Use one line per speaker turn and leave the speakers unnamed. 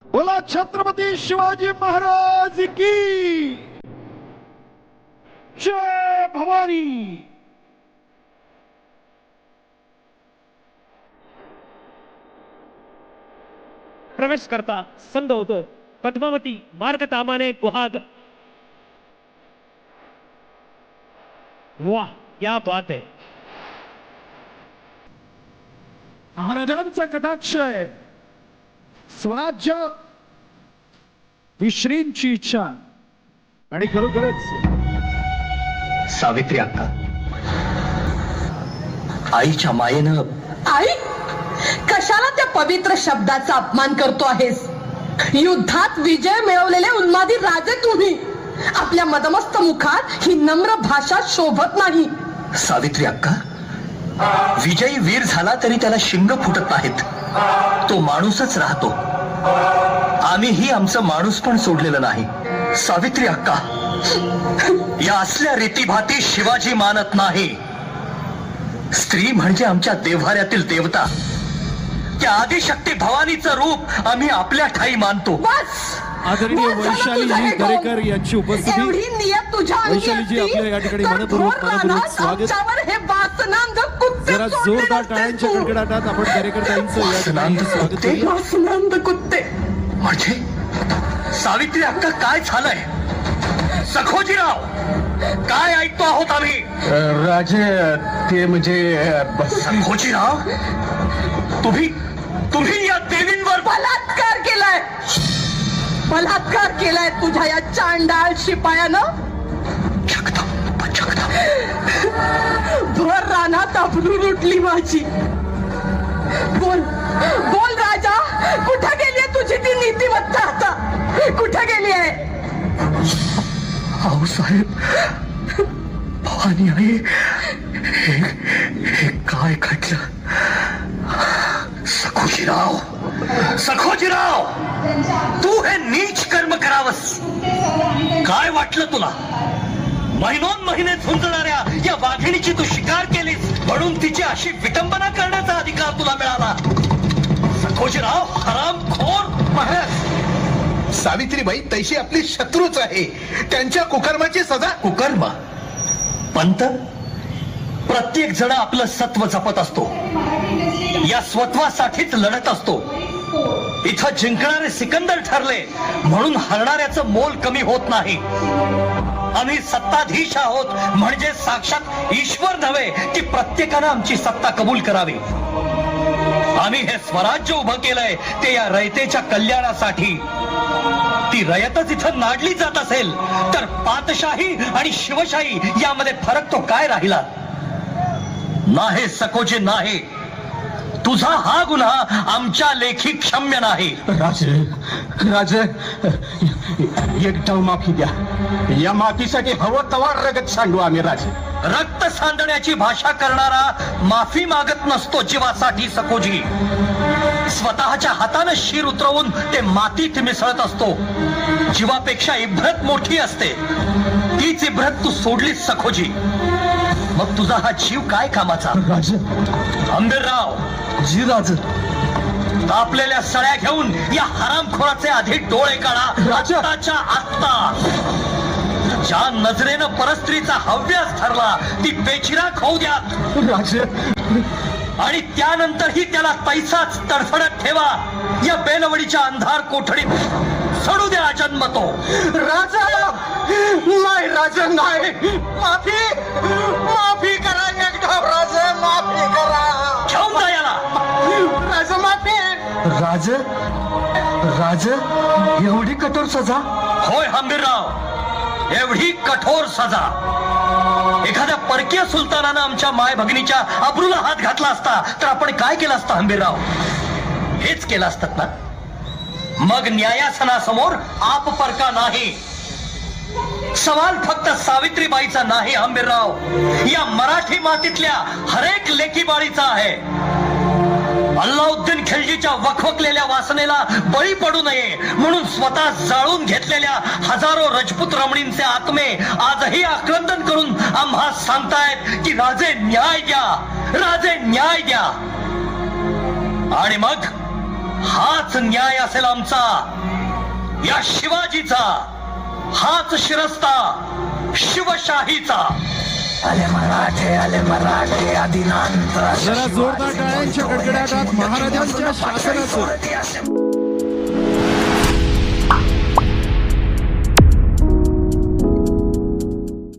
बोला छत्रपती शिवाजी महाराज की जय भवानी।
प्रवेश करता संघ होतो पद्मावती मार्ग तामाने गुहाग। वाह क्या बात है।
महाराजांचा कटाक्ष आहे। स्वराज्य ही श्रींची इच्छा आणि खरोखरच
सावित्री अक्का, आईच्या मायेनं
आई कशाला त्या पवित्र शब्दाचा अपमान करतो आहेस? युद्धात विजय मिळवलेले उन्मादी राजे तुम्ही, आपल्या मदमस्त मुखात ही नम्र भाषा शोभत नाही।
सावित्री अक्का, विजयी वीर झाला तरी त्याला शिंग फुटत नाहीत, तो माणूसच राहतो। आम्हीही आमचं माणूस पण सोडलेलं नाही। सावित्री अक्का, या असल्या रीतीभाती शिवाजी मानत नाही। स्त्री म्हणजे आमच्या देव्हाऱ्यातील देवता, त्या आदिशक्ती भवानीचं रूप आम्ही आपल्या ठाई मानतो।
बस
आदरणीय वैशालीजी दरेकर यांची उपस्थिती।
एवढी नियत तुझ्या
वैशालीजी आपल्या या ठिकाणी मनपूर्वक स्वागत।
हे वासनांध कुत्ते
जरा जोरदार टाळ्यांच्या कडकडाटात आपण दरेकर ताईंचं या ठिकाणी स्वागत करूया।
वासनांध कुत्ते
म्हणजे सावित्री अक्का, काय झालंय? सखोजीराव, काय ऐकतो आहोत आम्ही?
राजे ते म्हणजे
सखोजीराव, तुम्ही या देवींवर
बलात्कार केलाय, बलात्कार केलाय तुझ्या या चांडाळ शिपायानं। भर रानात अबरू उठली माझी। बोल बोल राजा, कुठे गेली तुझी ती नीतिमत्ता? आता कुठे गेली आहे?
आहो साहेब, भवानी आई, हे काय घडलं? सखोजीराव, तू हे नीच कर्म करावस? काय वाटलं तुला? महिनोन महिने झुंजणाऱ्या या वाघिणीची तू शिकार केलीस म्हणून तिची अशी विटंबना करण्याचा अधिकार तुला मिळाला? सखोजीराव, हरामखोर!
महाराज, सावित्रीबाई तैशी आपली शत्रूच आहे, त्यांच्या कुकर्माची सजा।
कुकर्म? पंत, प्रत्येक जण आपलं सत्व जपत असतो, या स्वत्वासाठीच लढत असतो। इथं जिंकणारे सिकंदर ठरले म्हणून हरणाऱ्याचं मोल कमी होत नाही। आम्ही सत्ताधीश आहोत म्हणजे साक्षात ईश्वर नव्हे की प्रत्येकानं आमची सत्ता कबूल करावी। आम्ही हे स्वराज्य उभं केलंय ते या रयतेच्या कल्याणासाठी। ती रयतच इथं नाडली जात असेल तर पातशाही आणि शिवशाही यामध्ये फरक तो काय राहिला? नाही सकोजी, नाही, तुझा हा गुन्हा आमच्या लेखी क्षम्य नाही।
राजे, एक डाव माफी द्या, या माफीसाठी हवं तवा रगत सांडू आम्ही। राजे,
रक्त सांडण्याची भाषा करणारा माफी मागत नसतो जीवासाठी सकोजी। स्वतःच्या हातानं शिर उतरवून ते मातीत मिसळत असतो। जीवापेक्षा इब्रत मोठी असते, तीच इब्रत तू सोडलीस सखोजी। मग तुझा हा जीव काय कामाचा?
राजे,
आंबेरराव
जी राजे,
तापलेल्या सळ्या घेऊन या हरामखोराचे आधी डोळे काढा आत्ताच्या आत्ता। ज्या नजरेनं परस्त्रीचा हव्यास ठरला ती बेचिराख होऊ द्या
राजे,
आणि त्यानंतरही त्याला तैसाच तडफडत ठेवा। या बेलवडीच्या अंधार कोठडीत सोडू द्या जन्म तो।
राजा, नाही राजे, नाही, माफी करा एक डाव। राजे, माफी करा,
घेऊन जा याला।
राजे, माफी। राजे, एवढी कठोर सजा?
होय हंबीरराव, एवढी कठोर सजा। एखाद्या परकीय सुलतानानं आमच्या माय भगिनीच्या अब्रूला हात घातला असता तर आपण काय केलं असतं हंबीरराव? हेच केलं असतात ना? मग न्यायासनासमोर आप परका नाही। सवाल फक्त सावित्रीबाईचा नाही हंबीरराव, या मराठी मातीतल्या हरेक लेकीबाळीचा आहे। अल्लाउद्दीन खिलजीच्या वखवकलेल्या वासनेला बळी पडू नये म्हणून स्वतः जाळून घेतलेल्या हजारो रजपूत रमणींचे आत्मे आजही आक्रंदन करून आम्हा सांगतायत की राजे न्याय द्या, राजे न्याय द्या। आणि मग हाच न्याय असेल आमचा, या शिवाजीचा, हाच शिरस्ता शिवशाहीचा. आले मराठे आदिनांत.
जरा जोरदार टाळ्यांच्या कडकडाटात महाराजांच्या शासनाचं